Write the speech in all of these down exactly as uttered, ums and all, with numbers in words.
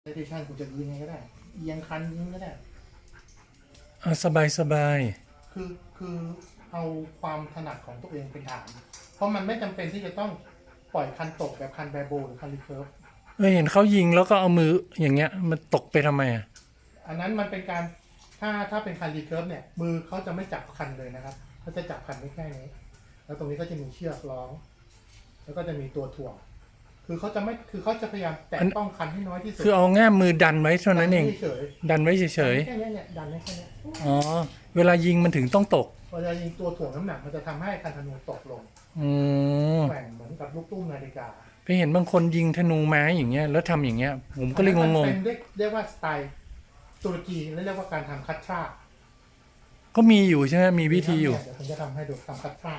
เซสชันคุณจะยิงไงก็ได้เอียงคันยิงก็ได้อ่ะสบายสบายคือคือเอาความถนัดของตัวเองเป็นฐานเพราะมันไม่จำเป็นที่จะต้องปล่อยคันตกแบบคันแบโบหรือคันรีเคิร์ฟเออเห็นเขายิงแล้วก็เอามืออย่างเงี้ยมันตกไปทำไมอ่ะอันนั้นมันเป็นการถ้าถ้าเป็นคันรีเคิร์ฟเนี่ยมือเขาจะไม่จับคันเลยนะครับเขาจะจับคันไว้แค่นี้แล้วตรงนี้ก็จะมีเชือกล้องแล้วก็จะมีตัวถ่วงคือเขาจะไม่คือเขาจะพยายามแตะต้องคันให้น้อยที่สุดคือเอาง่ามมือดันไว้เท่านั้นเองดันไว้เฉยๆแค่นี้เนี่ยดันไว้แค่นี้อ๋อเวลายิงมันถึงต้องตกเวลายิงตัวถ่วงน้ำหนักมันจะทำให้คันธนูตกลงอืมแกว่งเหมือนกับลูกตุ้มนาฬิกาไปเห็นบางคนยิงธนูไม้อย่างเงี้ยแล้วทำอย่างเงี้ยผมก็เลยงงๆเป็นเรียกว่าสไตล์ตุรกีและเรียกว่าการทำคัตชาก็มีอยู่ใช่ไหมมีวิธีอยู่เดี๋ยวผมจะทำให้ดูทำคัตชา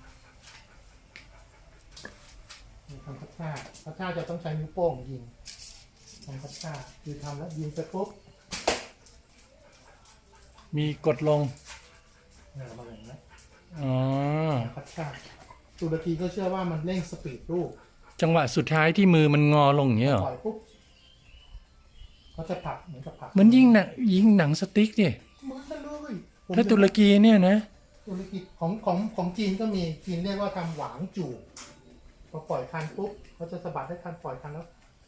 ทำคัตชาคัตชาจะต้องใช้นิ้วโป้งยิงทำคัตชาคือทำแล้วยิงไปปุ๊บมีกดลงเนี่ยมาอย่างนี้อ๋อคัตชาตุรกีก็เชื่อว่ามันเร่งสปีดลูกจังหวะสุดท้ายที่มือมันงอลงอย่างเงี้ยหรอปล่อยปุ๊บเขาจะผลักเหมือนกับผลักเหมือนยิงหนังยิงหนังสติ๊กดิเหมือนกันเลยถ้าตุรกีเนี่ยนะตุรกีของของของจีนก็มีจีนเรียกว่าทำหวางจู่พอปล่อยคันปุ๊บเขาจะสะบัดให้คันปล่อยคันแล้ว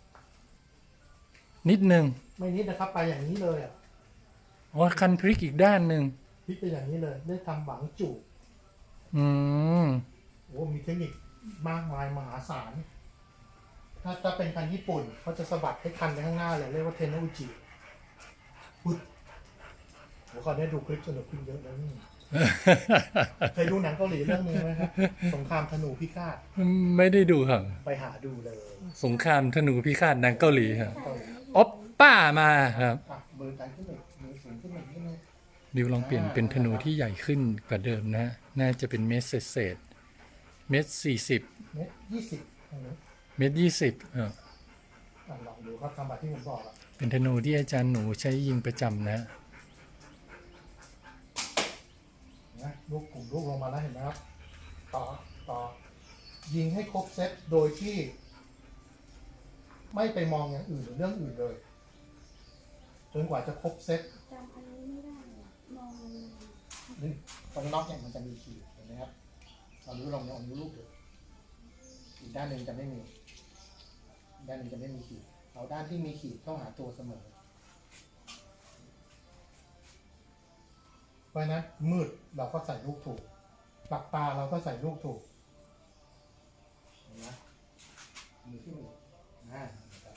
นิดนึงไม่นิดนะครับไปอย่างนี้เลยอ่ะอ๋อคันพลิกอีกด้านหนึ่งพลิกไปอย่างนี้เลยได้ทำหวางจู่อืมโอ้มีเทคนิคมากมายมหาศาลถ้าถ้าเป็นคันญี่ปุ่นเขาจะสะบัดให้คันไปข้างหน้าเลยเรียกว่าเทนโนอุจิปุ๊บโอ้เขาได้ดูคลิปสนุกขึ้นเยอะแล้วนี่เคยดูหนังเกาหลีเรื่องนึงไหมครับสงครามธนูพิฆาตไม่ได้ดูครับไปหาดูเลยสงครามธนูพิฆาตหนังเกาหลีครับอ๊อปป้ามาครับเบอร์การขึ้นหนึ่งมือสูงขึ้นหนึ่งนิดนึงดิวลองเปลี่ยนเป็นธนูที่ใหญ่ขึ้นกว่าเดิมนะน่าจะเป็นเมตรเศษเมตรสี่สิบเมตรยี่สิบเมตรยี่สิบอ่าลองดูครับทำแบบที่ผมบอกอะเป็นธนูที่อาจารย์หนูใช้ยิงประจำนะนะลูกกลุ่มลูกลงมาแล้วเห็นไหมครับต่อต่อยิงให้ครบเซตโดยที่ไม่ไปมองอย่างอื่นหรือเรื่องอื่นเลยจนกว่าจะครบเซตจำอันนี้ไม่ได้มองนี่ตรงน็อกเนี่ยมันจะมีขีดเห็นไหมครับเราดูลองลองดูลูกดูอีกด้านหนึ่งจะไม่มีด้านหนึ่งจะไม่มีขีดเอาด้านที่มีขีดเข้าหาตัวเสมอเพราะนั้นมืดเราก็ใส่ลูกถูกปากตาเราก็ใส่ลูกถูกเห็นไหมมือที่มืออ่า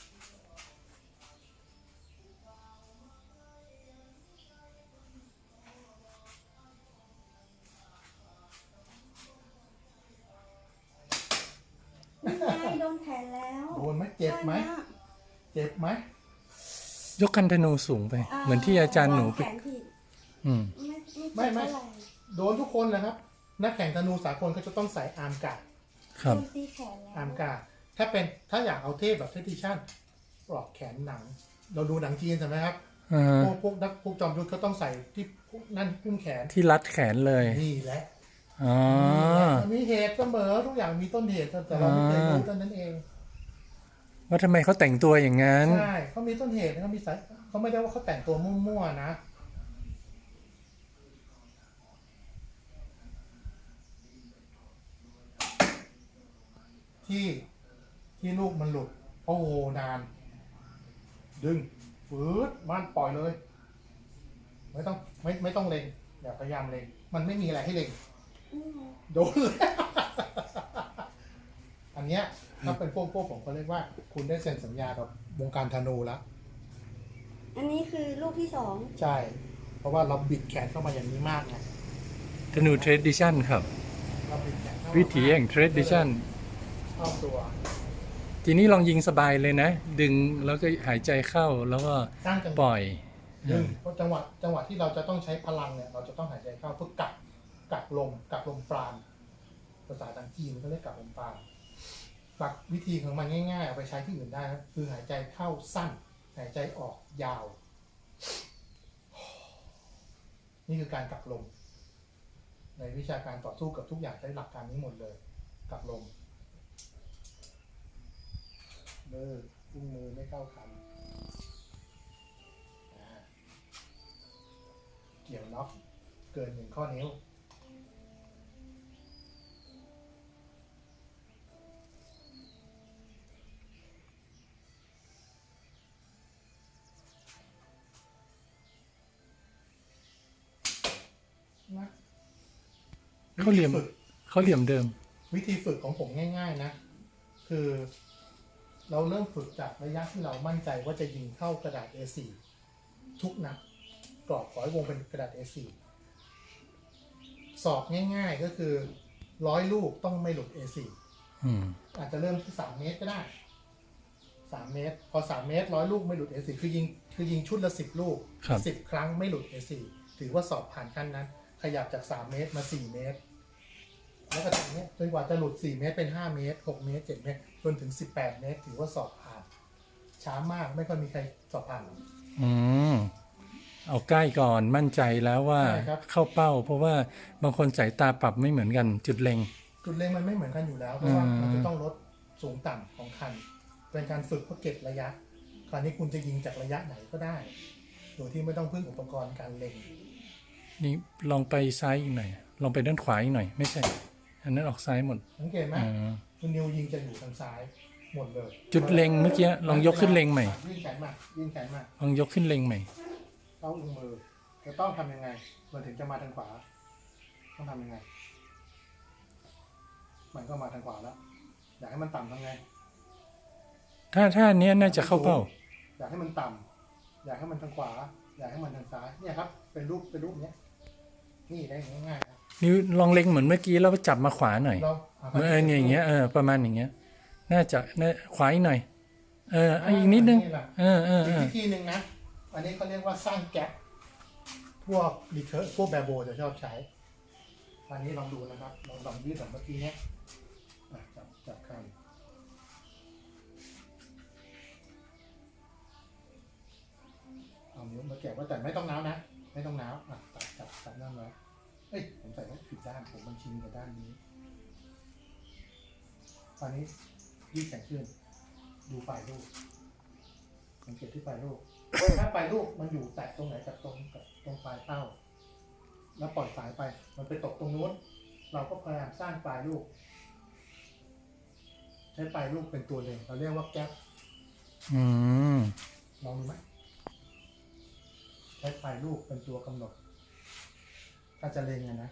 โดนแขนแล้วโดนไหมเจ็บไหมเจ็บไหมยกคันธนูสูงไปเหมือนที่อาจารย์หนูไปอืมไม่ไม่โดนทุกคนนะครับนักแข่งธนูสากลเขาจะต้องใส่อาร์มการ์ดครับอาร์มการ์ดถ้าเป็นถ้าอยากเอาเทพแบบเทดิชั่นปลอกแขนหนังเราดูหนังจีนใช่ไหมครับพวกพวกนักพวกจอมยุทธเขาต้องใส่ที่นั่นคุ้มแขนที่รัดแขนเลยนี่แหละอ๋อมีเหตุเสมอทุกอย่างมีต้นเหตุแต่เราไม่เคยรู้ต้นนั้นเองว่าทำไมเขาแต่งตัวอย่างนั้นใช่เขามีต้นเหตุเขามีสายเขาไม่ได้ว่าเขาแต่งตัวมั่วๆนะที่ที่ลูกมันหลุดโอ้โหนานดึงฝืดมันปล่อยเลยไม่ต้องไม่ไม่ต้องเล็งอย่าพยายามเล็งมันไม่มีอะไรให้เล็งโดนเลยอันเนี้ยถ้าเป็นพวกพวกผมก็เรียกว่าคุณได้เซ็นสัญญากับวงการธนูแล้วอันนี้คือลูกที่สองใช่เพราะว่าเราบิดแขนเข้ามาอย่างนี้มากไงธนูเทรดดิชั่นครับวิถีแห่งเทรดดิชั่นรอบตัวทีนี้ลองยิงสบายเลยนะดึงแล้วก็หายใจเข้าแล้วก็ปล่อยดึงเพราะจังหวะจังหวะที่เราจะต้องใช้พลังเนี่ยเราจะต้องหายใจเข้าเพื่อกักกักลมกักลมปราณภาษาทางจีนเขาเรียกกักลมปราณกักวิธีของมันง่ายๆเอาไปใช้ที่อื่นได้นะคือหายใจเข้าสั้นหายใจออกยาวนี่คือการกักลมในวิชาการต่อสู้กับทุกอย่างใช้หลักการนี้หมดเลยกักลมมืออุ้งมือไม่เข้ากันเกินหนึ่งข้อนิ้วนะเขาเหลี่ยมวิธีฝึกเขาเหลี่ยมเดิมวิธีฝึกของผมง่ายๆนะ คือเราเริ่มฝึกจากระยะที่เรามั่นใจว่าจะยิงเข้ากระดาษ เอ โฟร์ ทุกนัดกรอบขอให้วงเป็นกระดาษ เอ โฟร์ สอบง่ายๆก็คือร้อยลูกต้องไม่หลุด เอ โฟร์อืมอาจจะเริ่มที่สามเมตรก็ได้สามเมตร พอสามเมตรร้อยลูกไม่หลุด เอ โฟร์ คือยิงคือยิงชุดละสิบลูกครับสิบครั้งไม่หลุด เอ โฟร์ ถือว่าสอบผ่านขั้นนั้น ขยับจากสามเมตรมาสี่เมตร แล้วก็จากนี้จนกว่าจะหลุดสี่เมตรเป็นห้าเมตรหกเมตรเจ็ดเมตรจนถึงสิบแปดเมตรถือว่าสอบผ่าน ช้ามากไม่ค่อยมีใครสอบผ่านอืม เอาใกล้ก่อนมั่นใจแล้วว่าใช่ครับเข้าเป้า เพราะว่าบางคนสายตาปรับไม่เหมือนกันจุดเล็งจุดเล็งมันไม่เหมือนกันอยู่แล้วเพราะว่าอืมมันจะต้องลดสูงต่ำของคัน เป็นการฝึกเพื่อเก็บระยะ คราวนี้คุณจะยิงจากระยะไหนก็ได้ โดยที่ไม่ต้องพึ่งอุปกรณ์การเล็งนี่ลองไปซ้ายอีกหน่อย ลองไปด้านขวาอีกหน่อย ไม่ใช่ อันนั้นออกซ้ายหมดสังเกตไหมอ่าคุณนิวยิงจะอยู่ทางซ้ายหมดเลยจุดเล็งเมื่อกี้ลองยกขึ้นเล็งใหม่ยื่นแขนมายื่นแขนมาลองยกขึ้นเล็งใหม่ต้องอุ้งมือจะต้องทำยังไงมันถึงจะมาทางขวา ต้องทำยังไง มันก็มาทางขวาแล้ว อยากให้มันต่ำทำไงถ้าถ้าอันเนี้ยน่าจะเข้าเป้าอยากให้มันต่ำอยากให้มันทางขวา อยากให้มันทางซ้ายเนี่ยครับ เป็นรูปเป็นรูปเนี้ยนี่ได้ง่ายๆครับนิ้วลองเล็งเหมือนเมื่อกี้แล้วจับมาขวาหน่อยเราเมื่อเออเนี่ยอย่างเงี้ยเออประมาณอย่างเงี้ย น่าจะน่าขวาอีกหน่อย เออเอาอีกนิดนึง เออเอออีเอก อวิธีหนึ่งนะ อันนี้เขาเรียกว่าสร้างแก๊ปพวกรีเคิร์พวกแบบโบจะชอบใช้ อันนี้ลองดูนะครับลองลองยืดแบบเมื่อกี้เนี้ยอ่ะจับจับคันเอานิ้วมาแกะไว่าแต่ไม่ต้องน้าวนะ ไม่ต้องน้าวอ่ะจับจับจับนั่นไว้เอ้ยผมใส่ไว้ผิดด้านผมมันชินกับด้านนี้ ตอนนี้ยืดแขนขึ้น ดูปลายลูกสังเกตที่ปลายลูก ถ้าปลายลูกมันอยู่แตะตรงไหนกับตรงกับตรงปลายเป้า แล้วปล่อยสายไป มันไปตกตรงนู้น เราก็พยายามสร้างปลายลูก ใช้ปลายลูกเป็นตัวเล็งเราเรียกว่าแก๊ปอืมลองดูไหมใช้ปลายลูกเป็นตัวกำหนด ถ้าจะเล็งอะนะ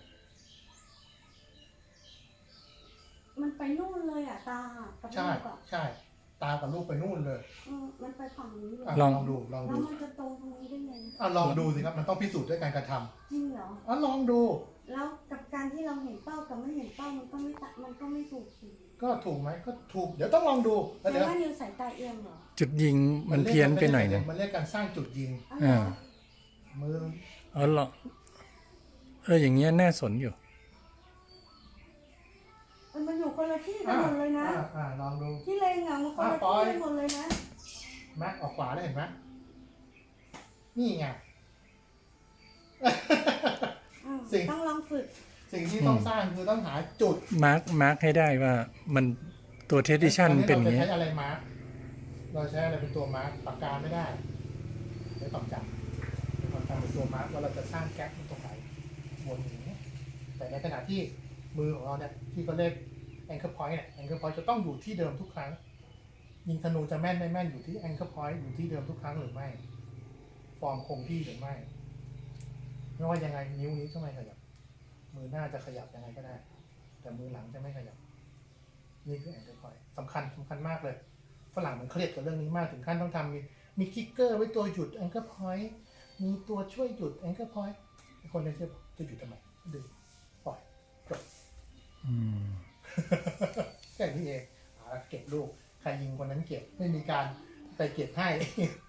มันไปนู่นเลยอ่ะตากับใช่ลูกอ่ะใช่ ตากับลูกไปนู่นเลยอืมมันไปฝั่งนี้เลยอ่ะลองลองดูลองแล้ดูวมันจะตรงตรงนี้ได้ไงอ่ะลองดูสิครับ มันต้องพิสูจน์ด้วยการกระทจริงเหรอำอ่ะลองดูแล้วกับการที่เราเห็นเป้ากับไม่เห็นเป้ามันก็ไม่ตะมันก็ไม่ถูกสิก็ถูกไหมก็ถูก เดี๋ยวต้องลองดูแล้วแต่เดี๋ยวว่านิวสายตาเอียงเหรอจุดยิงมันเพี้ยนไปหน่อยนึงมันเรียกการสร้างจุดยิงอ๋อเหรอมืออ๋อเหรอเอออย่างเงี้ยน่าสนอยู่มันมาอยู่คนละที่กันหมดเลยนะอ่าอ่าลองดูที่เลงอ่ะมันคนละอ่ะปล่ที่อยกันหมดเลยนะแม็กออกขวาได้เห็นไหมนี่ไงอืมสิ่งต้องลองฝึกสิ่งที่ต้องสร้างคือต้องหาจุดมาร์กมาร์กให้ได้ว่ามันตัวเทดิชันเป็นอย่างเงี้เงี้ยยเราจะใช้อะไรมาร์กเราใช้อะไรเป็นตัวมาร์กปากกาไม่ได้ใช้ความจำใช้ความจำเป็นตัวมาร์กว่าเราจะสร้างแก๊ปตรงไหนวนอย่างเงี้ยแต่ในขณะที่มือของเราเนี่ยที่เขาเรียก anchor point เนี่ย anchor point จะต้องอยู่ที่เดิมทุกครั้ง ยิงธนูจะแม่นไม่แม่นอยู่ที่ anchor point อยู่ที่เดิมทุกครั้งหรือไม่ ฟอร์มคงที่หรือไม่ ไม่ว่ายังไงนิ้วนี้ก็ไม่ขยับ มือหน้าจะขยับยังไงก็ได้ แต่มือหลังจะไม่ขยับ นี่คือ anchor point สำคัญสำคัญมากเลย ฝรั่งมันเครียดกับเรื่องนี้มากถึงขั้นต้องทำมีมีคิกเกอร์ไว้ตัวหยุด anchor point มีตัวช่วยหยุด anchor point คนในเชื่อจะหยุดทำไมดึงปล่อยจบอืมแค่นี้เองเอาละเก็บลูก ใครยิงคนนั้นเก็บ ไม่มีการไปเก็บให้